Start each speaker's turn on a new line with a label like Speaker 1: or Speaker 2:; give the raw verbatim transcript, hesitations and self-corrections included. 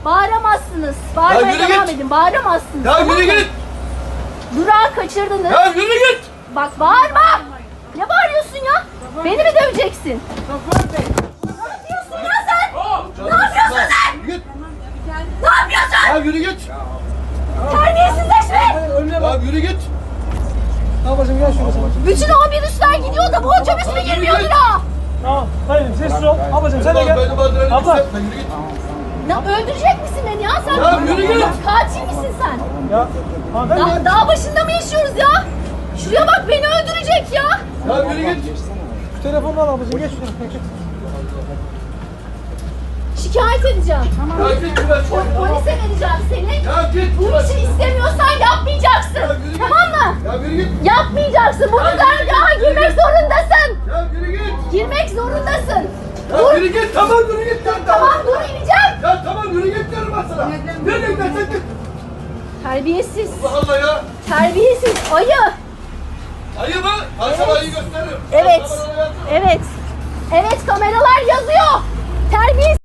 Speaker 1: Bağıramazsınız.
Speaker 2: Ya
Speaker 1: Bağırmaya
Speaker 2: yürü
Speaker 1: devam
Speaker 2: git.
Speaker 1: edin. Bağıramazsınız.
Speaker 2: Ya
Speaker 1: tamam
Speaker 2: yürü
Speaker 1: mı?
Speaker 2: git.
Speaker 1: Durağı kaçırdınız.
Speaker 2: Ya yürü git.
Speaker 1: Bak bağırma. Ne bağırıyorsun ya? Beni mi döveceksin? Ne yapıyorsun ya sen? Ne yapıyorsun sen?
Speaker 2: Yürü git.
Speaker 1: Ne yapıyorsun?
Speaker 2: Ya yürü git.
Speaker 1: Terbiyesizleşme.
Speaker 2: Ya yürü git.
Speaker 3: Ablacığım gel şuraya sen.
Speaker 1: Bütün o minibüsler gidiyor da bu otobüs mü girmiyor durağa?
Speaker 3: Tamam. Hayır sessiz ol. Ablacığım sen de
Speaker 2: Tamam,
Speaker 3: gel.
Speaker 2: beni bandırana
Speaker 3: Abla.
Speaker 2: gitsen, yürü git.
Speaker 1: Ne öldürecek misin beni ya sen?
Speaker 2: Ya yürü git.
Speaker 1: Katil misin sen?
Speaker 3: Ya. Hanımefendi.
Speaker 1: Dağ, dağ başında mı yaşıyoruz ya? Şuraya bak beni öldürecek ya.
Speaker 2: Ya yürü git.
Speaker 3: Şu telefonunu al ablacığım geç şuraya. Geç.
Speaker 1: Şikayet edeceğim.
Speaker 2: Ya git şuradan.
Speaker 1: Po- polise vereceğim seni.
Speaker 2: Ya git
Speaker 1: Bu
Speaker 2: şuradan.
Speaker 1: işi istemiyorsan yapmayacaksın.
Speaker 2: Ya yürü git.
Speaker 1: Tamam mı?
Speaker 2: Ya yürü git.
Speaker 1: Yapmayacaksın. Bu
Speaker 2: Ya yürü
Speaker 1: güzergaha
Speaker 2: git, yürü
Speaker 1: girmek
Speaker 2: git.
Speaker 1: zorundasın.
Speaker 2: Ya yürü git.
Speaker 1: Girmek zorundasın.
Speaker 2: Ya
Speaker 1: Dur.
Speaker 2: yürü git. Tamam yürü git. Ya,
Speaker 1: Tamam dur ineceğim.
Speaker 2: Ya tamam yürü git diyorum ben sana. Nereye gidersen git.
Speaker 1: Terbiyesiz.
Speaker 2: Allah Allah ya.
Speaker 1: Terbiyesiz. Ayı.
Speaker 2: Ayı mı? Ben sana ayı gösteririm.
Speaker 1: Evet.
Speaker 2: Sen bana ayı-
Speaker 1: Evet. Evet kameralar yazıyor. Terbiyesiz.